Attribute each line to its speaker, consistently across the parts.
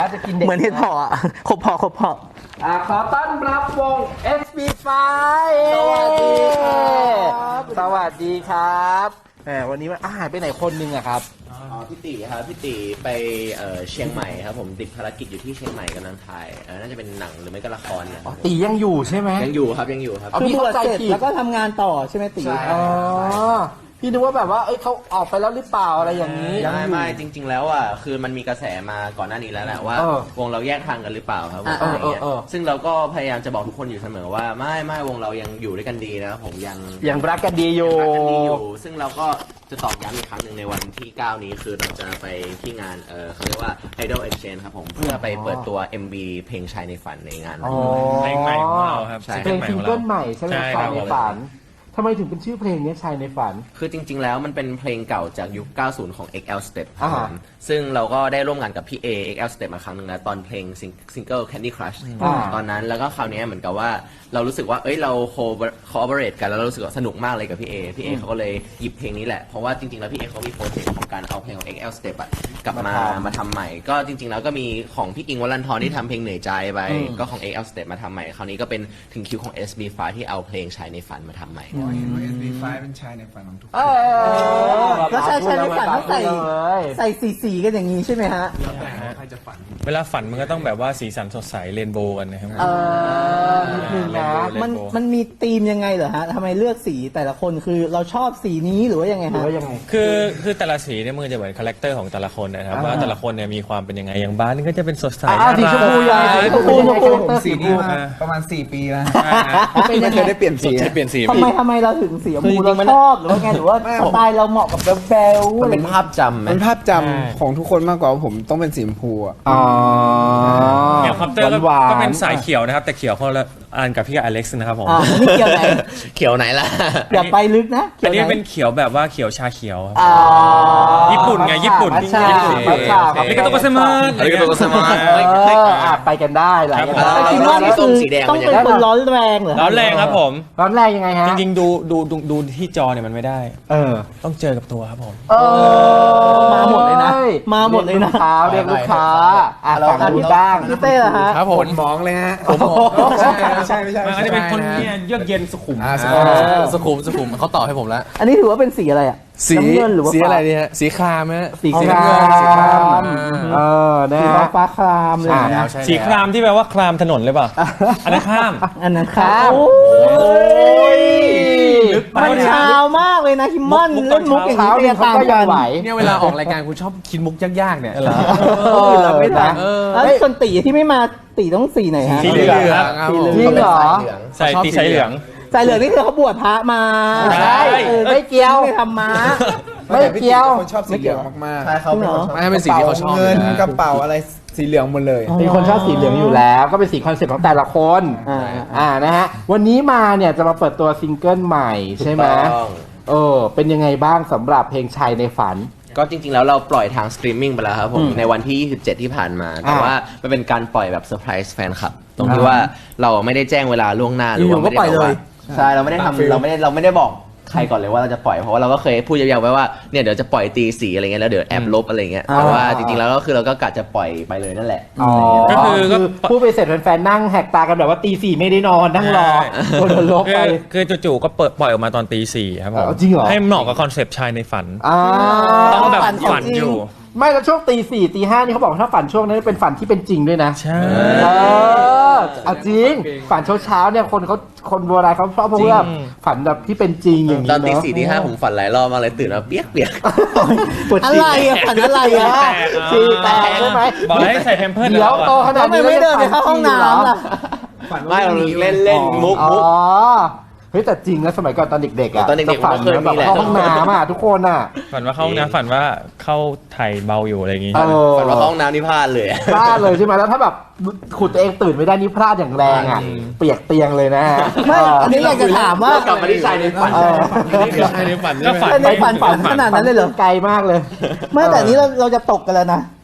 Speaker 1: จะกินเด็ก
Speaker 2: เหมือนเห็ดเพาะขบเพาะ
Speaker 1: ขอต้อนรับวง SB5
Speaker 3: สวัสดีครับ
Speaker 1: สวัสดีครับแหมวันนี้มันหายไปไหนคนนึงอะครับ
Speaker 3: พี่ตีครับพี่ตีไปเชียงใหม่ครับผมติดภารกิจอยู่ที่เชียงใหม่กำลังถ่ายน่าจะเป็นหนังหรือไม่ก็ละครเนี่ย
Speaker 1: ตียังอยู่ใช่ไหม
Speaker 3: ยังอยู่ครับยังอยู่ครับ
Speaker 2: คือบวชเสร็จแล้วก็ทำงานต่อใช่ไหมตี
Speaker 3: ใช่
Speaker 1: อ๋อพี่นึกว่าแบบว่าเขาออกไปแล้วหรือเปล่าอะไรอย่างนี้
Speaker 3: ไม่จริง ๆ แล้วอ่ะคือมันมีกระแสมาก่อนหน้านี้แล้วแหละว่า วงเราแยกทางกันหรือเปล่าครับผมอะไรเงี้ยซึ่งเราก็พยายามจะบอกทุกคนอยู่เสมอว่าไม่วงเรายังอยู่ด้วยกันดีนะครับผม
Speaker 1: ยังรักกันดีอยู่
Speaker 3: ซึ่งเราก็จะตอกย้ำอีกครั้งหนึ่งในวันที่ 9 นี้คือเราจะไปที่งานเขาเรียกว่า Idol Exchange ครับผมเพื่อไปเปิดตัว MV เพลงชายในฝันในงานนั้น
Speaker 4: เพลงใหม่ของเราครับ
Speaker 1: เพลงซิงเกิลใหม่ใช่ไหม
Speaker 4: ใช่
Speaker 1: ชาย
Speaker 4: ครับ
Speaker 1: ในฝันทำไมถึงเป็นชื่อเพลงนี้ชายในฝัน
Speaker 3: คือจริง ๆ แล้วมันเป็นเพลงเก่าจากยุค 90 ของ XL Step ครับผ
Speaker 1: อ่า
Speaker 3: มซึ่งเราก็ได้ร่วมงานกับพี่ A XL Step มาครั้งหนึ่งแล้วตอนเพลงซิงเกิล Candy Crush ตอนนั้นแล้วก็คราวนี้เหมือนกับว่าเรารู้สึกว่าเราcollaborate กันแล้วเรารู้สึกว่าสนุกมากเลยกับพี่ A เขาก็เลยหยิบเพลงนี้แหละเพราะว่าจริง ๆ แล้วพี่ A เขามีโปรเจกต์ของการเอาเพลงของ XL Step กลับมาทำใหม่ก็จริง ๆ แล้วก็มีของพี่อิงค์วรันทรที่ทำเพลงเหนื่อยใจไปก็ของ XL Step มาทำใหม่คราวนี้ก็เป็นถึงคิวของ SB5 ที่เอาเพลงชายในฝันมาทำใหม่
Speaker 4: เห็นว่า SB5 เป็นชายในฝันของทุกคน
Speaker 2: แล้วชายในฝันต้องใส่สีกันอย่างนี้ใช่ไหมฮะ
Speaker 4: ใครจะฝันเวลาฝันมันก็ต้องแบบว่าสีสันสดใสเรนโบว์กันนะครับ
Speaker 1: นิดนึงนะ
Speaker 2: มันมีธีมยังไงเหรอฮะทำไมเลือกสีแต่ละคนคือเราชอบสีนี้หรือว่ายังไง
Speaker 1: หรือ
Speaker 2: ฮะ
Speaker 1: ว่ายังไง
Speaker 4: คือแต่ละสีเนี่ยมันจะเหมือนคาแรคเตอร์ของแต่ละคนนะครับว่าแต่ละคนเนี่ยมีความเป็นยังไงอย่างบ้านนี่ก็จะเป็นสดใส
Speaker 1: สีชมพูยังสีชมพู
Speaker 5: สีนี้มาประมาณ4 ปีแล้ว
Speaker 2: เป็นยัง
Speaker 5: ไม่เคยได้เปลี่ยนสี
Speaker 4: จะเปลี่ยนสี
Speaker 2: ทำไมเราถึงสีชมพูเราชอบหรือว่าไงหรือว่าสไตล์เราเหมาะกับแบล
Speaker 3: มันเป็นภาพจำไหม
Speaker 5: เป็นภาพจำของทุกคนมากกว่าว่าผมต้องเป็นสีชมพูอ่ะ
Speaker 1: อ๋อ
Speaker 4: อย่างคอปเตอร์
Speaker 1: หวานๆ
Speaker 4: ก็เป็นสายเขียวนะครับแต่เขียวคนละอันกับพี่กับอเล็กซ์นะครับผม
Speaker 2: นี่เกี่ยวไหน
Speaker 3: เขียวไหนล่ะ
Speaker 2: อย่าไปลึกนะ
Speaker 4: อันนี้เป็นเขียวแบบว่าเขียวชาเขียวครับ
Speaker 2: อ๋อ
Speaker 4: ญี่ปุ่นไงญี่ปุ่น
Speaker 1: มัทฉะ
Speaker 4: ญี่ปุ่น
Speaker 1: มัทฉะ
Speaker 4: อันนี้ก็ต้องก็สมาร์ท
Speaker 3: อันนี้ก็ต้องสมาร์ท
Speaker 1: ไปกันได้หลายกัน
Speaker 4: ครับ
Speaker 1: ได้
Speaker 2: แต่คิดว่านี่คือต้องเป็นคนร้อนแรงเหรอ
Speaker 4: ร้อนแรงครับผม
Speaker 1: ร้อนแรงยังไงฮะ
Speaker 4: จริงๆดูที่จอเนี่ยมันไม่ได้ ต้องเจอกับตัวครับผม
Speaker 2: มาหมดเลยนะมาหมดเลยนะ
Speaker 1: เรียกลูกค้าฝั่งนู้นบ้าง
Speaker 2: พี่เต้เหรอฮะ
Speaker 4: ครับผม
Speaker 5: มองเลยฮะ
Speaker 4: ใช่
Speaker 5: ไม่ใช่
Speaker 4: มันก็จะเป็นคนเนี่ยเยือกเย็นสุขุม
Speaker 6: สุขุมเขาตอบให้ผมแล้ว
Speaker 2: อันนี้ถือว่าเป็นสีอะไรอ่ะ
Speaker 6: สี
Speaker 2: น้ำเงินหรือว่า
Speaker 6: สีอะไร
Speaker 2: ฟ้า
Speaker 6: เนี่ยสีครามฮะ
Speaker 2: สี
Speaker 1: สี
Speaker 2: คราม
Speaker 1: สีครามนะ
Speaker 2: สี
Speaker 1: ฮะ
Speaker 2: ฟ้าครามเลยนะ
Speaker 4: สีครามที่แปลว่าครามถนนเลยเปล่าอันนั้นข้าม
Speaker 2: อันนั้นครับ
Speaker 1: โอ้ย
Speaker 2: มันเช้ามากเลยนะฮิมมอน
Speaker 4: มุกต
Speaker 2: เล่
Speaker 4: อน
Speaker 2: นมุกอย่าง
Speaker 1: เช้า
Speaker 2: นี้
Speaker 1: เนี่ยเขาก็ยังไหว
Speaker 6: เนี่ยเวลาออกรายการคุณชอบคิดมุกยากๆเนี่ย
Speaker 1: เราไม่ทัน
Speaker 2: แล้วส่วนตีที่ไม่มาตีต้องสีไหนฮะ
Speaker 4: สีเหลือง
Speaker 1: จริงเหรอ
Speaker 4: ใส่ตีใส่เหลือง
Speaker 2: ใส่เหลืองนี่คือเขาบวชพระมา
Speaker 4: ใช่
Speaker 1: ไม่เกี่ยว
Speaker 2: ไม่ทำม้า
Speaker 1: ไม่เกี่ยว
Speaker 5: คนชอบสีเหลืองมาก
Speaker 3: ใช่เขาเป็นคนชอบ
Speaker 6: ไม่เป็นสิ่งที่เขาชอบ
Speaker 5: เงิน
Speaker 6: นะ
Speaker 5: กระเป๋าอะไรสีเหลืองหมดเลย
Speaker 1: เป็นคนชอบสีเหลืองอยู่แล้ว ก็เป็นสีคอนเซ็ปต์ของแต่ละคน นะฮะวันนี้มาเนี่ยจะมาเปิดตัวซิงเกิลใหม่ใช่ไหมเป็นยังไงบ้างสำหรับเพลงชายในฝัน
Speaker 3: ก็จริงๆแล้วเราปล่อยทางสตรีมมิ่งไปแล้วครับผมในวันที่ 27 ที่ผ่านมา แต่ว่ามันเป็นการปล่อยแบบเซอร์ไพรส์แฟนคลับตรงที่ว่าเราไม่ได้แจ้งเวลาล่วงหน้าหรือว่าไม่ได้บอกว่าใช่เราไม่ได้ทำเราไม่ได้บอกใครก่อนเลยว่าเราจะปล่อยเพราะว่าเราก็เคยพูดยาวๆไว้ว่าเนี่ยเดี๋ยวจะปล่อยตีสีอะไรเงี้ยแล้วเดี๋ยวแอบลบอะไรเงี้ยแต่ว่าจริงๆแล้วก็คือเราก็กะจะปล่อยไปเลยนั่นแหละ
Speaker 4: ก็คือ
Speaker 1: พูดไปเสร็จแฟนๆนั่งแหกตากันแบบว่าตี 4ไม่ได้นอนนั่งรอโดนลบไป
Speaker 4: คือจู่ๆก็ปล่อยออกมาตอนตี 4ครับผม
Speaker 1: จริงเหรอ
Speaker 4: ให้เหมาะกับคอนเซปต์ชายในฝัน ต้องแบบฝันอยู่
Speaker 1: ไม่แล้วช่วงตี 4ตี 5นี่เขาบอกว่าถ้าฝันช่วงนั้นเป็นฝันที่เป็นจริงด้วยนะ
Speaker 4: ใช่
Speaker 1: เอาจริงฝันเช้าๆเนี่ยคนโบราณเขาชอบเพราะว่าฝันแบบที่เป็นจริงอย่างนี้
Speaker 3: ตอนตี
Speaker 1: เนาะ
Speaker 3: 4ตี 5ผมฝันหลายรอบมากเลยตื่นมาเปียก
Speaker 1: ปวด
Speaker 2: อะ
Speaker 1: ฉี่
Speaker 2: ไรอ่ะฝันอะไรอ่ะ
Speaker 1: ฉี่แตกใช่ไหม
Speaker 4: บอกให้ใส่แพมเพิร์ส
Speaker 1: เดี๋ยวโตขนาด
Speaker 2: ทำไม
Speaker 1: นี้
Speaker 2: ไม่เดินไปเข้าห้องน้ำล่ะ
Speaker 3: ๆไม่เราเล่นมุก
Speaker 1: อ๋อเฮ้ยแต่จริงนะสมัยก่อนตอนเด็กๆอ่ะ
Speaker 3: ตอนเด็กๆ
Speaker 1: จะฝัน
Speaker 3: ผมก็เคยมี
Speaker 1: แบบ
Speaker 3: แหละ
Speaker 1: เข้าห้องน้ำอ่ะทุกคนอ่ะ
Speaker 4: ฝันว่าเข้านะฝันว่าเข้าไทยเบาอยู่อะไรอย่างงี้
Speaker 3: ฝันว่าเข้าห้องน้ำนี่พลาดเลย
Speaker 1: พลาดเลยใช่ไหมแล้วถ้าแบบขุดตัวเองตื่นไม่ได้นี่พลาดอย่างแรงอ่ะเปียกเตียงเลยนะ
Speaker 2: ไม่อันนี้อยากจะถามว่า
Speaker 3: กลับมาที่ชายในฝัน
Speaker 4: ก็ฝัน
Speaker 2: ในฝันขนาดนั้นเลยเหรอ
Speaker 1: ไกลมากเลย
Speaker 2: ไม่แต่นี้เราจะตกกันแล้วนะ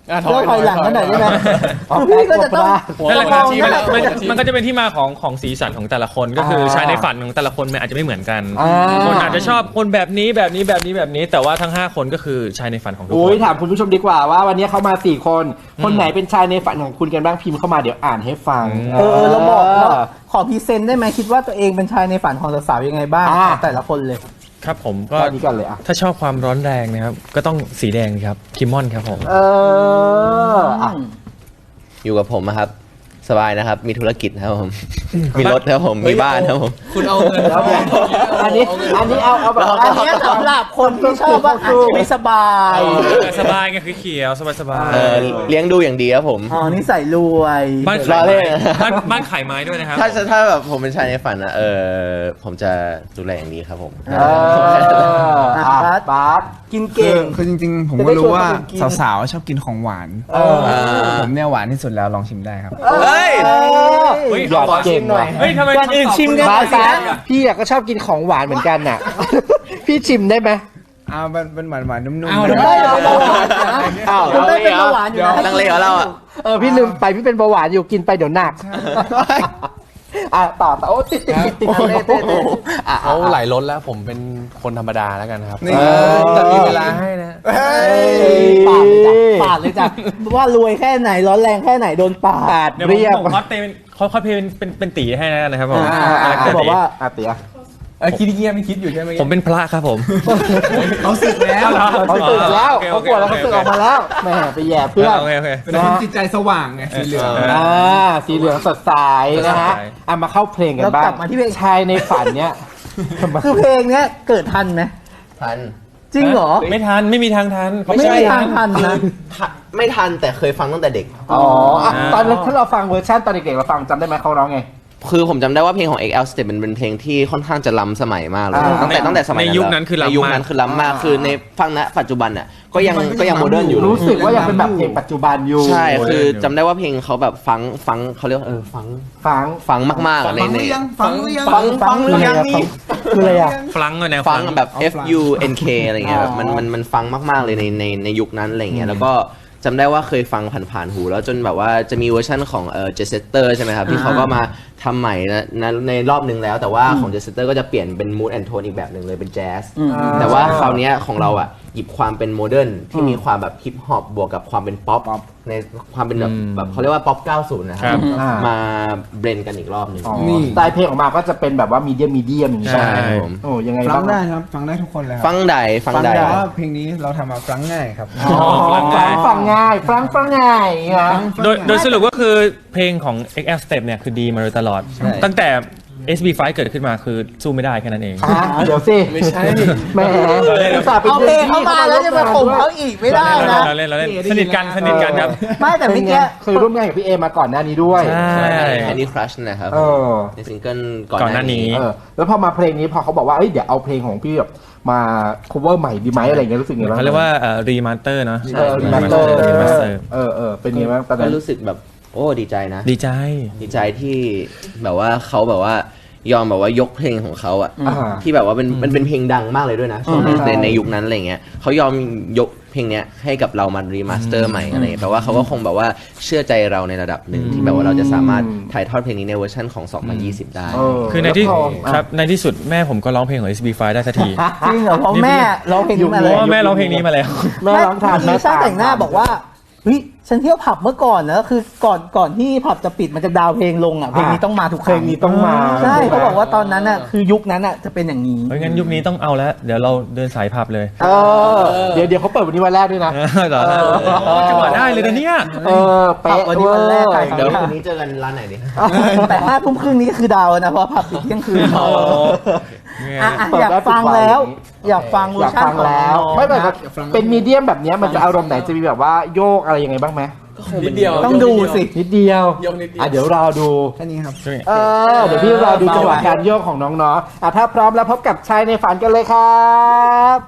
Speaker 2: เลิกถอยหลังกันหน่อยได้ไหม
Speaker 1: อ๋อ
Speaker 2: คือพี่ก็จะต้อง
Speaker 4: นั่นแหละครับ
Speaker 2: มองหน้า
Speaker 4: มันก็จะเป็นที่มาของสีสันของแต่ละคนก็คือชายในฝันของแต่ละคนมันอาจจะไม่เหมือนกัน
Speaker 1: อ่า
Speaker 4: คนอาจจะชอบคนแบบนี้แบบนี้แบบนี้แบบนี้ แต่ว่าทั้ง 5 คนก็คือชายในฝันของทุกค
Speaker 1: อุ้ย
Speaker 4: น
Speaker 1: ถามคุณผู้ชมดีกว่าว่าวันนี้เขามา4 คน คนไหนเป็นชายในฝันของคุณกันบ้างพิมพ์เข้ามาเดี๋ยวอ่านให้ฟัง
Speaker 2: เราบอกเราขอพรีเซนต์ได้ไหมคิดว่าตัวเองเป็นชายในฝันของสาวๆยังไงบ้าง
Speaker 1: อ่า
Speaker 2: แต่ละคนเลย
Speaker 4: ครับผมก็
Speaker 1: ก็นี้กันเลยอ่ะ
Speaker 4: ถ้าชอบความร้อนแรงนะครับก็ต้องสีแดงครับคิมมอนครับผม
Speaker 1: อ่ะ
Speaker 3: อยู่กับผมอะครับ สบายนะครับ มีธุรกิจนะครับผม มีรถครับผม มีบ้านครับผม
Speaker 6: คุณเอาเงิน
Speaker 1: แล้วเนี่ยอันนี้เอาแบบ
Speaker 2: อันเนี้ยสำหรับคนที่ชอบว่าอาจจะไม่สบาย
Speaker 4: สบายไงคือเขียวสบาย
Speaker 3: เออเลี้ยงดูอย่างดีครับผม
Speaker 2: อ๋อนิสัยรวย
Speaker 4: บ้าน
Speaker 3: รอ
Speaker 4: ขาย
Speaker 3: เล่
Speaker 4: ไม้
Speaker 3: น
Speaker 4: บ้านขายไม้ด้วยนะครับ
Speaker 3: ถ้าแบบผมเป็นชายในฝันนะผมจะดูแลอย่างดีครับผม
Speaker 1: บาส
Speaker 2: กินเก่ง
Speaker 5: คือจริงๆ ผม
Speaker 2: จะ
Speaker 5: ก็
Speaker 2: ได้
Speaker 5: รู้ว่า
Speaker 2: ชวนคนอื่นกิน
Speaker 5: สาวๆชอบกินของหวาน ผมเนี่ยหวานที่สุดแล้วลองชิมได้ครับ
Speaker 3: เฮ้ย
Speaker 4: เฮ้ย
Speaker 1: หยอดเก่งว่ะ
Speaker 4: เฮ้ยทำไม
Speaker 2: ก่อนอื่นชิมกัน
Speaker 1: บาสพี่อะก็ชอบกินของหวานเหมือนกันน่ะ พี่ชิมได้ไหม
Speaker 5: เป็นหวานๆนุ่ม
Speaker 6: เอา
Speaker 5: ๆ
Speaker 6: เดี๋ยว
Speaker 2: ได้เป็นเบาหวานนะ
Speaker 1: อ้าว
Speaker 2: คุณได้เป็นเบาหวานอยู่นะ
Speaker 3: ลังเลเหรอเราอะ
Speaker 1: พี่ลืมไปพี่เป็นเบาหวานอยู่กินไปเดี๋ยวหนักต่อโอ้ติดๆ
Speaker 6: เขาไหลล้นแล้วผมเป็นคนธรรมดาแล้วกันครับ
Speaker 5: นี่
Speaker 6: แต่มีเวลาให้นะ
Speaker 2: ปาดเลยจ้ะว่ารวยแค่ไหนร้อนแรงแค่ไหนโดนปาด
Speaker 4: เดี๋ยวผมคอสเพลย์เป็นตีให้นะครับผม
Speaker 2: เขาบอกว่า
Speaker 1: เตี๋ย
Speaker 6: คิดเงียบไม่คิดอยู่ใช่ไหม
Speaker 4: ผมเป็นพระครับผม
Speaker 6: เขาสึกแล้ว
Speaker 1: เขาตื่นแล้วเขาปวดแล้วเขาตื่นออกมาแล้วแม่ไปแย่เพื่อน
Speaker 4: โอเค
Speaker 5: เป็นคนจิตใจสว่างไงสีเหลือง
Speaker 1: สีเหลืองสดใสนะฮะมาเข้าเพลงกันบ้าง
Speaker 2: แล้วกลับมาที่เพลง
Speaker 1: ชายในฝันเนี้ย
Speaker 2: คือเพลงเนี้ยเกิดทันไหม
Speaker 3: ทัน
Speaker 2: จริงเหรอ
Speaker 4: ไม่ทันไม่มีทางทัน
Speaker 2: ไม่มีทางทันนะ
Speaker 3: ไม่ทันแต่เคยฟังตั้งแต่เด็ก
Speaker 1: อ๋อตอนนั้นถ้าเราฟังเวอร์ชันตอนเด็กๆเราฟังจำได้ไหมเขาร้องไง
Speaker 3: คือผมจำได้ว่าเพลงของ XL Step มันเป็นเพลงที่ค่อนข้างจะล้ำสมัยมากเลย ตั้งแต่สมัย
Speaker 4: ในยุคนั้นคือล้ำมาก
Speaker 3: ในยุคนั้นคือล้ำมากคือในฟังณปัจจุบันอ่ะก็ยังโมเดิร์นอยู่
Speaker 1: รู้สึกว่ายังเป็นแบบเพลงปัจจุบันอยู่
Speaker 3: ใช่คือจำได้ว่าเพลงเขาแบบฟังเขาเรียกว่าฟังมากๆใน
Speaker 5: ฟังหรือยัง
Speaker 3: ฟังหรือยังนี่
Speaker 1: คืออะไรอ่ะ
Speaker 4: ฟลังเลยแนว
Speaker 3: ฟังแบบ FUNK อะไรเงี้ยแบบมันฟังมากๆเลยในยุคนั้นอะไรเงี้ยแล้วก็จำได้ว่าเคยฟังผ่านๆหูแล้วจนแบบว่าจะมีเวอร์ชั่นของเจสเตอร์ใช่ไหมครับที่เขาก็มาทำใหม่ในรอบนึงแล้วแต่ว่าของเจสเตอร์ก็จะเปลี่ยนเป็นมูดแอนโทนอีกแบบหนึ่งเลยเป็นแจ๊สแต่ว่าคราวเนี้ยของเราอ่ะหยิบความเป็นโมเดิร์นที่มีความแบบฮิปฮอปบวกกับความเป็นป๊อปในความเป็นแบบเขาเรียกว่าป๊อป 90 นะครับมาเบรนกันอีกรอบหนึง
Speaker 1: นี่สไตล์เพลงออกมาก็จะเป็นแบบว่ามีเดียมอย่างนี้
Speaker 3: ใช่ผม
Speaker 1: โอ้ยังไง
Speaker 5: ฟั
Speaker 1: บ้าง ง
Speaker 5: ได้ครับ ฟังได้ทุกคนเลยครับ
Speaker 3: ฟังใด
Speaker 5: แต่ว่าเพลงนี้เราทำมาฟังง่ายครับ
Speaker 1: ฟังง่ายฟังง่ายนะ
Speaker 4: โดยสรุปก็คือเพลงของ XL Step เนี่ยคือดีมาโดยตลอด ตั้งแต่ SB5 เกิดขึ้นมาคือสู้ไม่ได้แค่นั้นเอง
Speaker 1: เดี๋ยวสิ
Speaker 6: ไม่ใช่
Speaker 1: แหมอุตส่าห์เป็น
Speaker 2: เอาเพลงเขามาแล้วจะมาข่มเขาอีกไม่ได้นะ
Speaker 4: เราเล่นสนิทกันครับ
Speaker 2: ไม่แต่
Speaker 1: เป็
Speaker 2: เมื่
Speaker 1: น
Speaker 2: อ
Speaker 1: ไง
Speaker 2: กี้
Speaker 1: เคยร่วมงานกับพี่เอมาก่อนหน้านี้ด้วย
Speaker 4: ใช่
Speaker 3: แอนดี้ครัชนะครับ
Speaker 1: เออ
Speaker 3: ในซิงเกิลก่
Speaker 4: ก่อนหน้านี้
Speaker 1: แล้วพอมาเพลงนี้พอเขาบอกว่าเดี๋ยวเอาเพลงของพี่แบบมา cover ใหม่ดีไหมอะไรเงี้ยรู้สึกไงบ้าง
Speaker 4: เขาเรียกว่ารีมาสเตอร์เนาะ
Speaker 1: remaster
Speaker 4: remaster
Speaker 1: เป็นไงบ้างตอน
Speaker 3: ก็
Speaker 1: นั้น
Speaker 3: รู้สึกแบบโอ้ดีใจนะ
Speaker 4: ดีใจ
Speaker 3: ดีใจที่แบบว่าเขาแบบว่ายอมแบบว่ายกเพลงของเขาอะ
Speaker 1: อ่า
Speaker 3: ที่แบบว่ามันเป็นเพลงดังมากเลยด้วยนะในยุคนั้นอะไรเงี้ยเขายอมยกเพลงเนี้ยให้กับเรามารีมาสเตอร์ใหม่อะไรเงี้ยแปลว่าเขาก็คงแบบว่าเชื่อใจเราในระดับหนึ่งที่แบบว่าเราจะสามารถถ่ายทอดเพลงนี้ในเวอร์ชันของ 2020 ได้
Speaker 4: คือในที่ครับในที่สุดแม่ผมก็ร้องเพลงของ SB5 ได้สักที
Speaker 2: จริงเหรอเพราะแม่ร้องเพลงนี้มา
Speaker 4: เพ
Speaker 2: เลย
Speaker 4: ราะว่าแม่ร้องเพลงนี้มาแล้ว
Speaker 1: แม่ร้องทาน
Speaker 2: เมื่อกี้ช่างแต่งหน้าบอกว่าเฮ้ยฉันเที่ยวผับเมื่อก่อนนะคือก่อนที่ผับจะปิดมันจะดาวเพลงลงอ่ะเพลงนี้ต้องมาทุกค
Speaker 1: เพล
Speaker 2: รั้
Speaker 1: ง
Speaker 2: ง
Speaker 1: นี้ต้องมา
Speaker 2: ใช่เขาบอกว่าตอนนั้นอ่ะคือยุคนั้นอ่ะจะเป็นอย่างนี้
Speaker 4: เพราะงั้นยุคนี้ต้องเอาแล้ว เดี๋ยวเราเดินสายผับเลย
Speaker 1: เดี๋ยวเขาเปิดวันนี้วันแรกด้วยนะ
Speaker 4: เหรอจังหวะได้เลยนะเนี่ย
Speaker 1: เป๊ะ
Speaker 2: วันนี้วันแรกใคร
Speaker 3: เดี๋ยวคืนนี้เจอกันร้านไหนดี
Speaker 2: แต่5 ทุ่มครึ่งนี้ก็คือดาวนะเพราะผับปิดเที่ยงคืน
Speaker 4: โอ้
Speaker 2: อยากฟังแล้ว อยากฟังเวอ
Speaker 1: อยาก
Speaker 2: ร์ชัน
Speaker 1: ฟัง
Speaker 2: ของ
Speaker 1: แล้ว
Speaker 2: น้อง
Speaker 1: ไม่แบบ
Speaker 2: นะ
Speaker 1: เป็นมีเดียมแบบนี้มันจะอารมณ์ไหนจะมีแบบว่าโยกอะไรยังไงบ้างไหม
Speaker 6: นิดเดียว
Speaker 2: ต้องดูสิ
Speaker 1: นิดเดียว
Speaker 6: โยกนิดเดียว
Speaker 1: เดี๋ยวรอดู
Speaker 5: แค่นี้ครับ
Speaker 1: เดี๋ยวพี่รอดูจังหวะการโยกของน้องๆถ้าพร้อมแล้วพบกับชายในฝันกันเลยครับ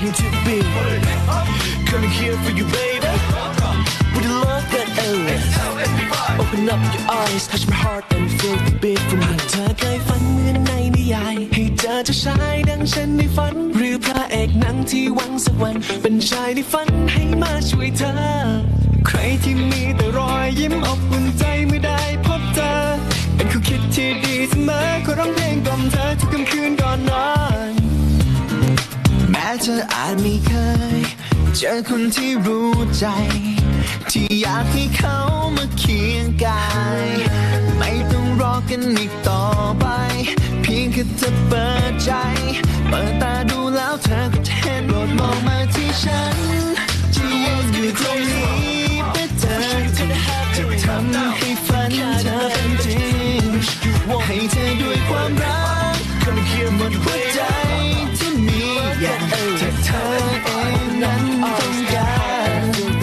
Speaker 7: here to be. Coming here for you, baby. With the love that ends. Open up your eyes, touch my heart and feel the beat from me. เธอเคยฝันเหมือนในนิยายให้เจอเจ้าชายดังฉันในฝันหรือพระเอกหนังที่หวังสักวันเป็นชายในฝันให้มาช่วยเธอ ใครที่มีแต่รอยยิ้มอบอุ่นใจเมื่อได้พบเธอ เป็นคู่คิดที่ดีเสมอขอร้องเพลงกล่อมเธอทุกค่ำคืนก่อนนอน แม้เธออาจไม่เคยเจอคนที่รู้ใจ ที่อยากให้เขามาเคียงกาย ไม่ต้องรอกันอีกต่อไป เพียงแค่เธอเปิดใจ เปิดตาดูแล้วเธอก็จะเห็นโปรดมองมาที่ฉันที่ยืนอยู่ตรงนี้เพื่อเธอจะทำให้ฝันเธอเป็นจริงให้เธอด้วยความรักหมดหัวใจที่มีอยากแต่เธอเองนั้นต้องการ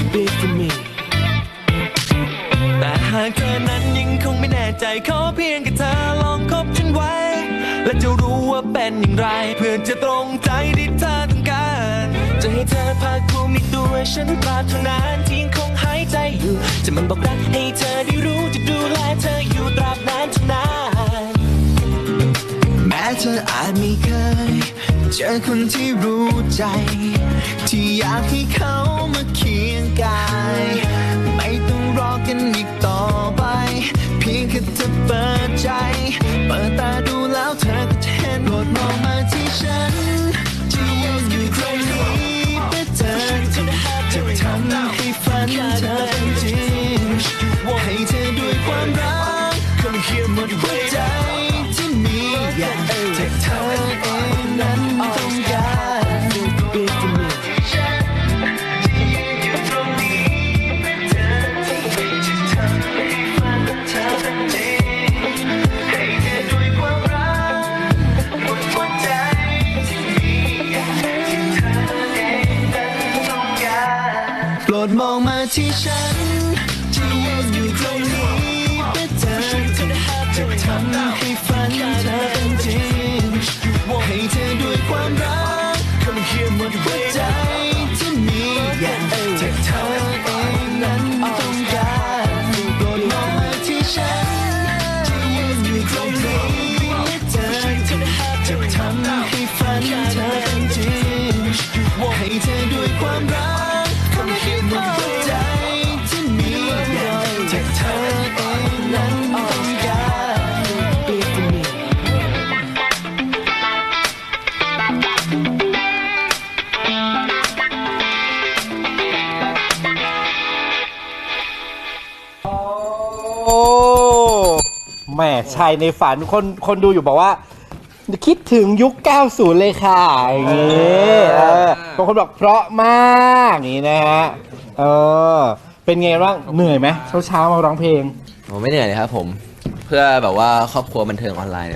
Speaker 7: แต่หากเธอนั้นยังคงไม่แน่ใจขอเพียงแค่เธอลองคบฉันไว้ และจะรู้ว่าเป็นอย่างไร เพื่อจะตรงใจที่เธอต้องการจะให้เธอภาคภูมิในตัวฉันตราบเท่านั้นที่ยังคงหายใจอยู่จะมันบอกรักให้เธอได้รู้จะดูแลเธออยู่ตราบนานเท่านาน แม้เธออาจไม่เคยเจอคนที่รู้ใจ ที่อยากให้เขามาเคียงกาย ไม่ต้องรอกันอีกต่อไป เพียงแค่เธอเปิดใจ เปิดตาดูแล้วเธอก็จะเห็นโปรดมองมาที่ฉันที่ยืนอยู่ตรงนี้เพื่อเธอจะทำให้ฝันเธอเป็นจริงให้เธอด้วยความรักหมดหัวใจที่มีอยากแต่เธอเองนั้นต้องการโปรดมองมาที่ฉันที่ยืนอยู่ตรงนี้เพื่อเธอจะทำให้ฝันเธอเป็นจริงให้เธอด้วยความรักหมดหัวใจที่มีอยากแต่เธอเองนั้นต้องการโปรดมองมาที่ฉันที่ยืนอยู่ตรงนี้เพื่อเธอจะทำให้ฝันเธอเป็นจริงให้เธอด้วยความรักหมดหัวใจที่มีอยากแต่เธอเองนั้นต้องการ Be for me
Speaker 1: โอ้แหม่ชายในฝันคนดูอยู่บอกว่า คิดถึงยุค 90 เลยค่ะอย่างงี้บางคนบอกเพราะมากอย่างนี้นะฮะเป็นไงบ้างเหนื่อยไหมเช้ามาร้องเพลง
Speaker 3: ผมไม่เหนื่อยเลยครับผม เพื่อแบบว่าครอบครัวบันเทิงออนไลน์เนี่ย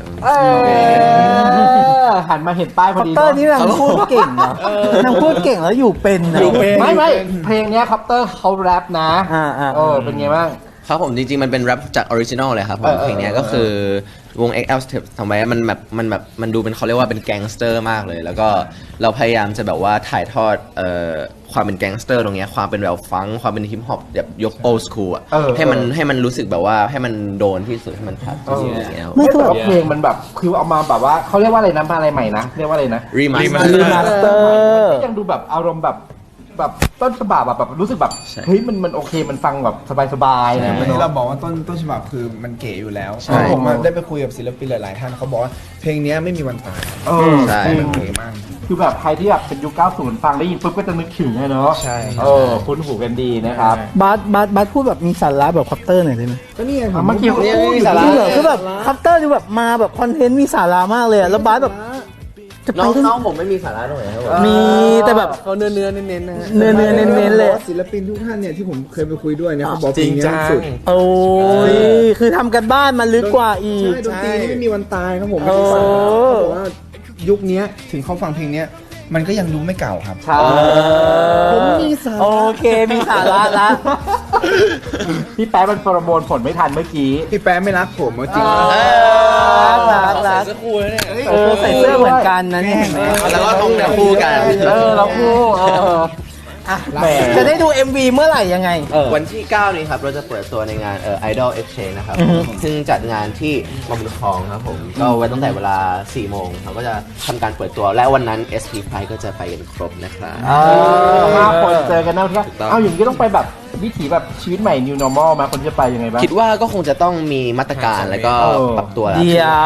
Speaker 1: หันมาเห็นป้ายพ
Speaker 2: ค
Speaker 1: อ
Speaker 2: อป
Speaker 1: ดี
Speaker 2: เตอร์นี่นางพูดเก่งนะนางพูดเก่งแล้วอยู่เป็นนะ
Speaker 1: ไม่เพลงเนี้ยคอปเตอร์เขาแรปนะเป็นไงบ้าง
Speaker 3: ครับผมจริงๆมันเป็นแรปจากออริจินอลเลยครับผมเพลงเนี้ยก็คือวง XL Step ทำไว้มันดูเป็นเขาเรียกว่าเป็นแก๊งสเตอร์มากเลยแล้วก็เราพยายามจะแบบว่าถ่ายทอดความเป็นแก๊งสเตอร์ตรงเนี้ยความเป็นแบบฟังความเป็นฮิปฮอปแบบยกโอสคูลอ่ะให้มันรู้สึกแบบว่าให้มันโดนที่สุดให้มันชัดที่สุดอย่างเงี้ย
Speaker 1: ไม่แต่ว่าเพลงมันแบบคือเอามาแบบว่าเขาเรียกว่าอะไรนะอะไรใหม่นะเรียกว่าอะไรนะ
Speaker 3: รีมาส
Speaker 2: เตอร์
Speaker 1: ยังดูแบบอารมณ์แบบต้นฉบับแบบรู้สึกแบบเฮ้ยมันโอเคมันฟังแบบสบายๆนะ
Speaker 5: วันนี้เราบอกว่าต้นฉบับคือมันเก๋อยู่แล้วผมได้ไปคุยกับศิลปินหลายๆท่านเขาบอกว่าเพลงนี้ไม่มีวันตาย
Speaker 3: ใช่
Speaker 5: มันเก๋มาก
Speaker 1: คือแบบใครที่แบบเป็นยุค 90 ฟังได้ยินปุ๊บก็จะนึกถึงเลยเนาะ
Speaker 5: ใช่
Speaker 1: คุ้นหูกันดีนะครับ
Speaker 2: บาสพูดแบบมีสาระแบบคอปเตอร์หน่อยได้ไหม
Speaker 5: ก็นี่ไง
Speaker 1: เมื่อกี้เขาพูดอยู่
Speaker 2: จริงเหรอคือแบบคอปเตอร์ดูแบบมาแบบคอนเทนต์มีสาระมากเลยอะแล้วบาสแบบจะไป
Speaker 3: น้องผมไม่มีสาระตรงไหนครับผม
Speaker 2: มีแต่แบบ
Speaker 6: เขาเนื้อเน้นๆนะฮะ
Speaker 2: เน้นๆเลย
Speaker 5: ศิลปินทุกท่านเนี่ยที่ผมเคยไปคุยด้วยเนี่ยเขาบอกเพลงนี้สุด
Speaker 2: โอ้ยคือทำกันบ้านมาลึกกว่าอีก
Speaker 5: ใช่ดนตรีนี่ไม่มีวันตายครับผมไม่ได้ฟังเขาบอกว่ายุคนี้ถึงเขาฟังเพลงนี้มันก็ยังดูไม่เก่าครับ
Speaker 1: ใช่
Speaker 5: ผมมีสาระ
Speaker 2: โอเคมีสาระละ
Speaker 1: พี่แป๊ะมันประมวลผลไม่ทันเมื่อกี้
Speaker 5: พี่แป๊ะไม่รักผมจริง
Speaker 2: รัก
Speaker 3: เสื้อคู่แล้วเนี่ย
Speaker 2: ใส่เสื้อเหมือนกันนะเนี่ยเห็นไหม
Speaker 3: แล้วก็ต้องเนี่ยคู่กัน
Speaker 1: เราคู่แหม
Speaker 2: จะได้ดู MV เมื่อไหร่ยังไง
Speaker 3: วันที่ 9 นี้ครับ เราจะเปิดตัวในงานIdol Exchange นะครับ ซึ่งจัดงานที่มาบุญครองครับผม ก็ไว้ตั้งแต่เวลา 4 โมงเราก็จะทำการเปิดตัว และวันนั้น SP Pride ก็จะไปกันครบนะครับ
Speaker 1: 5 คนเจอกันนะพี่
Speaker 3: ถูกต้อง
Speaker 1: เอาอย่างนี้ต้องไปแบบวิถีแบบชีวิตใหม่ New Normal มาคนจะไปยังไงบ้าง
Speaker 3: คิดว่าก็คงจะต้องมีมาตรการแล้วก็ปรับตัวแล้ว
Speaker 2: เดี๋ยว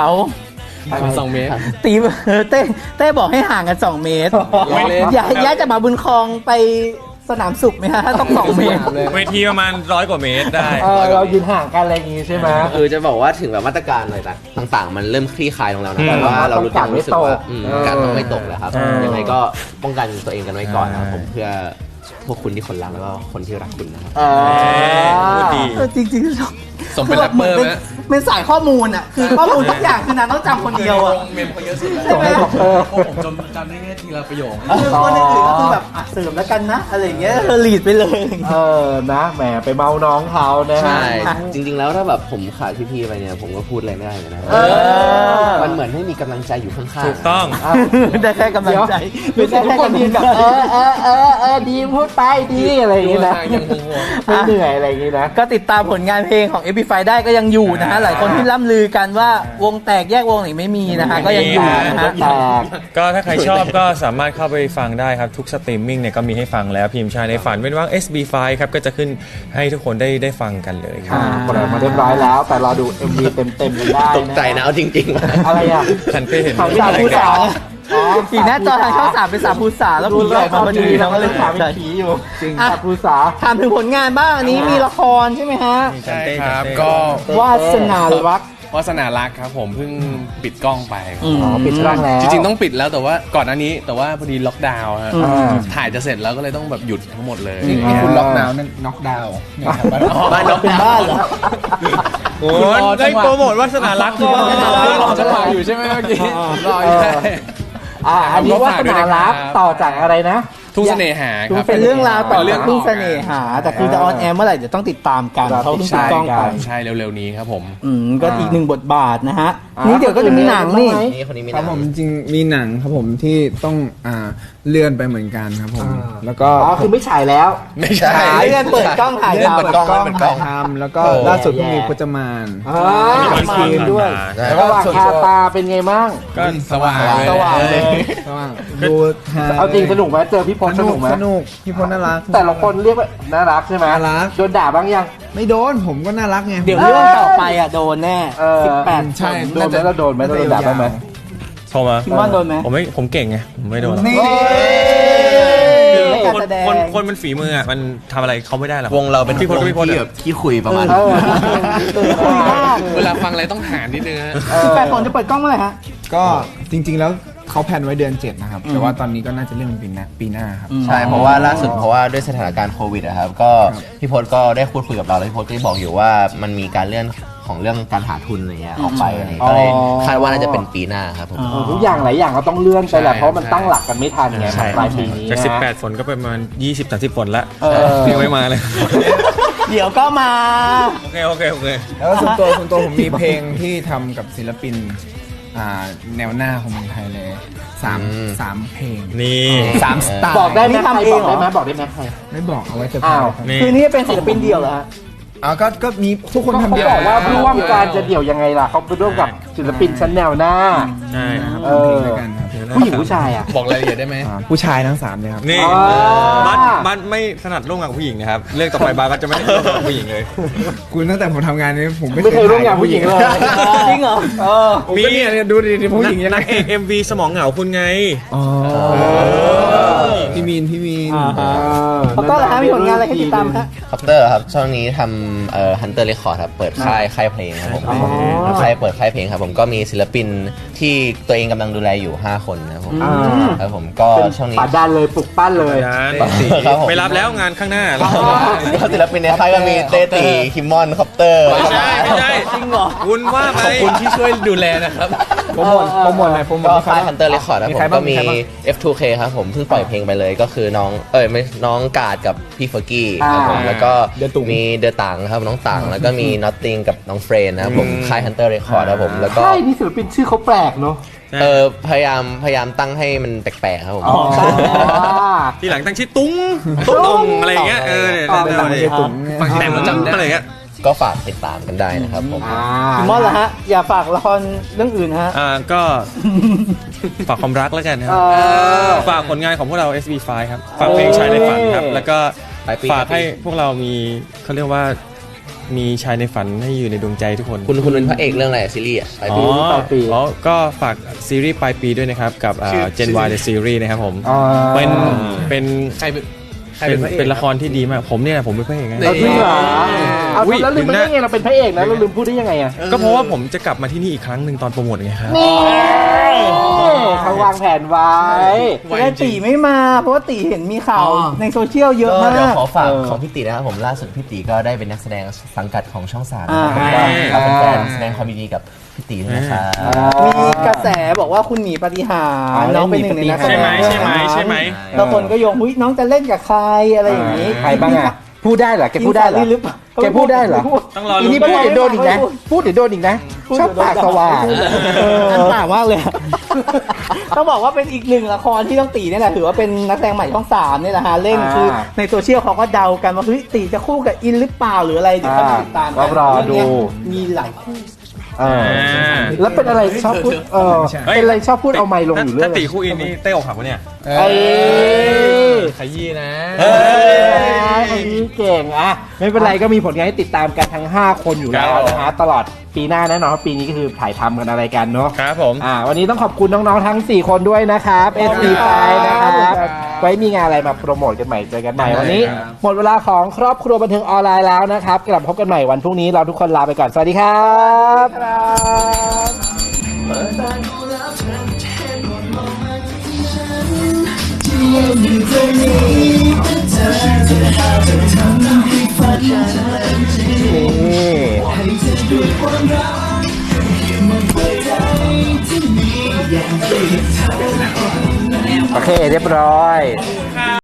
Speaker 6: 2 เมตร
Speaker 2: ตีเต้บอกให้ห่างกัน 2 เมตร ย้ายจากมาบุญครองไปสนามสุขไหมฮะถ้าต้อง 2 เมตร
Speaker 4: เวทีประมาณ100 กว่าเมตรได้
Speaker 1: เรายืนห่างกันอะไรอย่างงี้ใช่ไหม
Speaker 3: คือจะบอกว่าถึงแบบมาตรการอะไรต่างๆ มันเริ่มคลี่คลายลงแล้วนะแต่ว่าเรารู้จักรู้สึกว่าการต้องไม่ตกแล้วครับ ยังไงก็ป้องกันตัวเองกันไว้ก่อนนะครับผมเพื่อพวกคุณที่คนรักแล้วก็คนที่รักคุณนะครับ
Speaker 4: พูดดี
Speaker 2: จริงๆ
Speaker 6: สมเป็นแรปเปอร์ไหม
Speaker 2: เป็นสายข้อมูลอ่ะ คือข้อมูลทุกอย่างคือนางต้องจำคนเดียวอ่ะ
Speaker 6: เมมเขาเยอะสุดแล้ว
Speaker 2: ใช่ไหม
Speaker 6: ผมจำได้แค่ทีละประโยค
Speaker 2: คือคนอื่นๆก็คือแบบเสริมแล้วกันนะ อะไรอย่างเงี้ยเธอลีดไปเลย
Speaker 1: นะแหมไปเมาน้องเขานะฮะ
Speaker 3: ใช่ จริง ๆ แล้วถ้าแบบผมขาดพี่ๆไปเนี่ยผมก็พูดอะไรไม่ได้เลยนะมันเหมือนให้มีกำลังใจอยู่ข้างๆ
Speaker 4: ถูกต้อง
Speaker 2: ได้แค่กำลังใจ
Speaker 1: ไม่ใช่ทุกคนยืนแบบดีพูดไปดีอะไรอย่างงี้นะ
Speaker 6: ยังห่วง
Speaker 1: ไม่เหนื่อยอะไรอย่างงี้นะ
Speaker 2: ก็ติดตามผลงานเพลงของ Epify ได้ก็ยังอยู่นะฮะ หลายคนที่ล่ำลือกันว่าวงแตกแยกวงไหนไม่มีนะฮะ ก็ยังอยู่นะฮะ
Speaker 1: แตก
Speaker 4: ก็ถ้าใครชอบก็สามารถเข้าไปฟังได้ครับทุกสตรีมมิ่งเนี่ยก็มีให้ฟังแล้วพิมพ์ชายในฝันเป็นว่าง SB5 ครับก็จะขึ้นให้ทุกคนได้ฟังกันเลยครับ
Speaker 1: ปล่อยมาเรียบร้อยแล้ว แต่รอดู MV เต็มๆกันได้
Speaker 3: ตกใจนะเอาจริงๆ
Speaker 1: อะไรอ่ะ
Speaker 4: ฉันไปเห็น
Speaker 1: ข่าวสารผู้สาว
Speaker 2: อีกหน้าจอทางช่อง3เป็นสามภูษาแล้วผีออกมาพอดีเราก็เลย
Speaker 1: ถา
Speaker 2: ถาม ม
Speaker 1: เป็นผีอยู่จริงสาภูษา
Speaker 2: ถามถึงผลงานบ้างอันนี้มีละครใช่ไหมฮะ
Speaker 6: ใช่ครับ ก็
Speaker 1: วาสนารัก
Speaker 6: วาสนารักครับผมเพิ่งปิดกล้องไป
Speaker 1: ปิดช่องแล้ว
Speaker 6: จริงๆต้องปิดแล้วแต่ว่าก่อนหน้านี้แต่ว่าพอดีล็อกดาวน์ฮะ
Speaker 1: อ่า
Speaker 6: ถ่ายจะเสร็จแล้วก็เลยต้องแบบหยุดทั้งหมดเลย
Speaker 5: นี่คุณล็อกดาวน์นั่นน็อกดาวน์เนี่ยครับ
Speaker 3: บ้านนก
Speaker 2: เป็นบ้านเหรอ
Speaker 4: โอ้ยได้โปรโมทวาสนารักก็
Speaker 6: รอจังหวะอยู่ใช่ไหมเมื่อกี้รออยู่ใช่
Speaker 1: อันนี้วาสนารักต่อจากอะไรนะ
Speaker 6: ทุ่งเสน่หาครับ
Speaker 2: เป็นเรื่องราวต่อ
Speaker 6: เป็นเรื่
Speaker 2: จา
Speaker 6: อก ง
Speaker 2: ทุ่งเสน่หา แต่คือจะออนแอร์เมื่อไหร่เดี๋ยวต้องติดตามกันเขาเพิ่งปิดกล้องไป
Speaker 6: ใช่เร็วๆนี้ครับผม
Speaker 2: ก็อีกหนึ่งบทบาทนะฮะ นี่เดี๋ยวก็จะมีหนังนี่
Speaker 3: นี่คนนี้มี
Speaker 5: ครับ
Speaker 3: หนั
Speaker 5: ผ
Speaker 3: ง
Speaker 5: มจริงๆมีหนังครับผมที่ต้องเลื่อนไปเหมือนกันครับผม แล้วก็
Speaker 1: คือไม่ฉายแล้ว
Speaker 6: ไม่ใช่
Speaker 2: เลื่อนเปิดกล้องถ่าย
Speaker 5: เลื่อน
Speaker 2: ทำ
Speaker 5: เปิดกล้องถ่ายทำแล้วก็ล่าสุดเพิ่งมีพจมาน
Speaker 4: มี
Speaker 1: มาทีมด้วย
Speaker 5: แล้วก็
Speaker 1: ระหว่างคาตาเป็นไงบ้าง
Speaker 6: ก็สว่าง
Speaker 1: สว่างเลย
Speaker 5: ระหว่างดูฮ
Speaker 1: เอาจริงสนุกไหมเจอพี่พลสนุกไหม
Speaker 5: สนุกพี่พลน่ารัก
Speaker 1: แต่ละคนเรียกว่าน่ารักใช่ไหม
Speaker 5: น่ารัก
Speaker 1: โดนด่าบ้างยัง
Speaker 5: ไม่โดนผมก็น่ารักไง
Speaker 2: เดี๋ยวเรื่องต่อไปอ่ะโดนแน่
Speaker 5: ใช่
Speaker 1: โดนไหมเราโดนไหมเราโดนด่าบ้างไหม
Speaker 4: โทรมา
Speaker 2: คิมมอนโดนไหม
Speaker 4: ผมเก่งไงผมไม่โดน
Speaker 5: นี่
Speaker 2: การแสดง
Speaker 4: คนมันฝีมืออ่ะมันทำอะไรเขาไม่ได้หรอก
Speaker 3: วงเราเป็น
Speaker 4: พี่พล
Speaker 3: วง
Speaker 4: พี่พล
Speaker 3: ที่แบบขี้คุยประมาณ
Speaker 1: คุยมาก
Speaker 6: เวลาฟังอะไรต้องหานิดนึงฮะ
Speaker 2: 18คนจะเปิดกล้องเมื่อไหร่ฮะ
Speaker 5: ก็จริงๆแล้วเขาแพลนไว้เดือน 7 นะครับ แต่ว่าตอนนี้ก็น่าจะเลื่อนเป็นปีหน้าครับ
Speaker 3: ใช่เพราะว่าล่าสุดเพราะว่าด้วยสถานการณ์โควิดอะครับก็พี่พจน์ก็ได้พูดคุยกับเราแล้วพี่พจน์ก็ได้บอกอยู่ว่ามันมีการเลื่อนของเรื่องการหาทุนอะไรเงี้ยออกไปอะไรเงี้ยก็เลยคาดว่าน่าจะเป็นปีหน้าครับผม
Speaker 1: ทุกอย่างหลายอย่างเราต้องเลื่อนไปแหละเพราะมันตั้งหลักกันไม่ทันไง
Speaker 3: ใช่
Speaker 1: ปลายปีนี้
Speaker 4: จาก
Speaker 1: นะ
Speaker 4: 18 ฝนก็ประมาณ 20-30 ฝนละ
Speaker 1: เออ
Speaker 4: ยังไม่มาเลย
Speaker 2: เดี๋ยวก็มา
Speaker 4: โอเค
Speaker 5: แล้วก็ส่วนตัวผมมีเพลงที่ทำกับศิลปินแนวหน้าของเมืองไทยเลยสามเพลง
Speaker 4: นี่
Speaker 5: 3 สไตล์
Speaker 1: บอกได้ไหม
Speaker 2: นี่
Speaker 1: ใคร
Speaker 2: ทำเอง
Speaker 1: บอก
Speaker 2: เหรอ
Speaker 1: ได้ไหมบอกได้ไหมใคร
Speaker 5: ไม่บอกเอาไว้เซอร์ไพร
Speaker 1: อ้าว
Speaker 5: ส์ครับ
Speaker 4: นี่
Speaker 2: คือนี่เป็นศิลปินเดียวเหรอฮะ
Speaker 5: ก็มีทุกคนทำ
Speaker 1: เขา
Speaker 5: เดียว
Speaker 1: บอกว่าร่วมการจะเดี่ยวยังไงล่ะเขาไปร่วมกับศิลปินชั้นแนวหน้า
Speaker 4: ใช่
Speaker 1: เออ
Speaker 5: ด้วยกันครับ
Speaker 1: ผู้หญิงผู้ชายอ่ะ
Speaker 6: บอกรายละเอียดได้ไหม
Speaker 5: ผู้ชายทั้ง3เลยครับ
Speaker 4: นี่
Speaker 1: อ๋อ
Speaker 4: บ้านไม่ถนัดร่วมงานกับผู้หญิงนะครับเรื่องต่อไปบ้านก็จะไม่ได้ร่วมงานกับผู้หญิงเลย
Speaker 5: คุณตั้งแต่ผมทำงานนี้ผม
Speaker 1: ไม่เคยร่วมงานผู้หญิงเลย
Speaker 2: จริงเหรอ
Speaker 5: มีเนี่ยดูดิผู้หญิงยังไง
Speaker 4: นักเอก MV สมองเหงาคุณไง
Speaker 5: อ๋อพี่มีน
Speaker 2: เขาก็เหรอฮะมีผลงานอะไรให้ติดตามฮะ
Speaker 3: คอปเตอร์ครับช่วงนี้ทำHunter Record ครับเปิดค่ายเพลงครับผมเปิดค่ายเพลงครับผมก็มีศิลปินที่ตัวเองกำลังดูแลอยู่ 5 คนนะครับผมครับผมก็
Speaker 1: เป็น
Speaker 3: ช่วงนี้
Speaker 1: ป่าดันเลยปลุกปั้นเลย
Speaker 3: ครับผม
Speaker 4: ไปรับแล้วงานข้างหน้า
Speaker 3: ก็ศิลปินในค่ายก็มีเต้ตีคิมมอนคอปเตอร์
Speaker 4: ไม่ใช่จริงเหรอคุณว่าไป
Speaker 6: ขอบคุณที่ช่วยดูแลนะครับ
Speaker 5: โปรโมทอะไรโปรโมท
Speaker 3: ก็
Speaker 5: มีใคร
Speaker 3: ค่าย
Speaker 5: บ้าง
Speaker 3: Hunter Record ครับ
Speaker 5: มี
Speaker 3: ผ
Speaker 5: ใคร
Speaker 3: ม
Speaker 5: บ้าง
Speaker 3: ก็มี
Speaker 5: มีใครบ้าง
Speaker 3: F2K ครับผมเพิ่งปล่อยเพลงไปเลยเลยก็คือน้องไม่น้องกาดกับพี่เฟอร์กี้ครับผมแล้วก็มีเดอะตังครับน้องตังแล้วก็มีนอตติงกับน้องเฟรนนะครับผมค่าย Hunter Record ครับผมแล้วก็
Speaker 1: ใช่นี่ศิลปินชื่อเขาแปลกเนาะ
Speaker 3: พยายามตั้งให้มันแปลกๆครับผม
Speaker 4: ทีหลังตั้งชื่อตุ้งตุ้งอะไรอย่างเงี้ยแต่ผมจำอะไรเงี้ย
Speaker 3: ก็ฝากติดตามกันได้นะครับผม
Speaker 2: พี่มอสเหรอฮะ อย่าฝากละครเรื่องอื่นฮะ
Speaker 4: ก็ฝากความรักแล้วกันครับฝากผลงานของพวกเรา SB5 ครับฝากเพลงชายในฝันครับแล้วก็ฝากให้พวกเรามีเขาเรียกว่ามีชายในฝันให้อยู่ในดวงใจทุกคน
Speaker 3: คุณเป็นพระเอกเรื่องอะไรซีรีส์ปลายปี
Speaker 4: ก็ฝากซีรีส์ปลายปีด้วยนะครับกับ Gen Y The Series นะครับผมเป็นละครที่ดีมากผมเนี่ยผมเป็นพระเอกไง
Speaker 1: เอาจริงเหรอเอาแล้วลืมไปได้ไงเราเป็นพระเอกนะเราลืมพูดได้ยังไงอ่ะ
Speaker 4: ก็เพราะว่าผมจะกลับมาที่นี่อีกครั้งหนึ่งตอนโปรโมทไงครับ
Speaker 1: เขาวางแผนไว้
Speaker 2: แต่ตีไม่มา เพราะว่าตีเห็นมีข่าวในโซเชียลเยอะ
Speaker 3: ก็
Speaker 2: มาก
Speaker 3: เดี๋ยวขอฝากของพี่ตีนะครับผมล่าสุดพี่ตีก็ได้เป็นนักแสดงสังกัดของช่อง3นะครับผมก็เป็นแฟนแสดงความยินดีกับพี่ตีด้วยนะครับ
Speaker 2: มีกระแสบอกว่าคุณหนีปฏิหารน้องเป็นหนึ่งในนักแสดง
Speaker 4: ใช่ไหม
Speaker 2: แล้วคนก็โยงน้องจะเล่นกับใครอะไรอย่างนี้
Speaker 1: ใครบ้างอ่ะพูดได้เหรอแกพูดได้เหรอ
Speaker 2: หรือเปล่า
Speaker 1: แกพูดได้เหรอ
Speaker 4: ต้องรอ
Speaker 1: อี
Speaker 4: ลุ้
Speaker 1: นี่
Speaker 4: น
Speaker 1: พูดเดี๋ยวโดนอีกนะพูดเดี๋ยวโดนอีกนะชอบปากสว่าง
Speaker 2: อันต่างมากเลย ต้องบอกว่าเป็นอีกหนึ่งละครที่ต้องตีนี่แหละถือว่าเป็นนักแสดงใหม่ช่อง3นี่แหละฮะเล่นคือในโซเชียลเขาก็เดากันว่าเฮ้ยตีจะคู่กับอินหรือเปล่าหรืออะไรเดี๋ยวต้องติดตาม
Speaker 1: ก็รอดู
Speaker 2: มีหลายคู่
Speaker 1: แล้วเป็นอะไรชอบพูดเป็นอะไรชอบพูดเอาไมค์ลงอยู่เรื่อย
Speaker 4: ถ้าตีคู่อินนี่เต้อกหักวะเนี่ย
Speaker 5: ขยี้นะ
Speaker 1: อันนี้เก่งอ่ะไม่เป็นไรก็มีผลงานให้ติดตามกันทั้ง5คนอยู่แล้วนะฮะตลอดปีหน้าแน่นอนว่าปีนี้ก็คือถ่ายทำกันอะไรกันเนาะ
Speaker 4: ครับผม
Speaker 1: วันนี้ต้องขอบคุณน้องๆทั้ง4คนด้วยนะครับ SB5 นะครับไว้มีงานอะไรมาโปรโมทกันใหม่เจอกันใหม่วันนี้หมดเวลาของครอบครัวบันเทิงออนไลน์แล้วนะครับกลับพบกันใหม่วันพรุ่งนี้เราทุกคนลาไปก่อนสวัสดีครับโอเคเรียบร้อย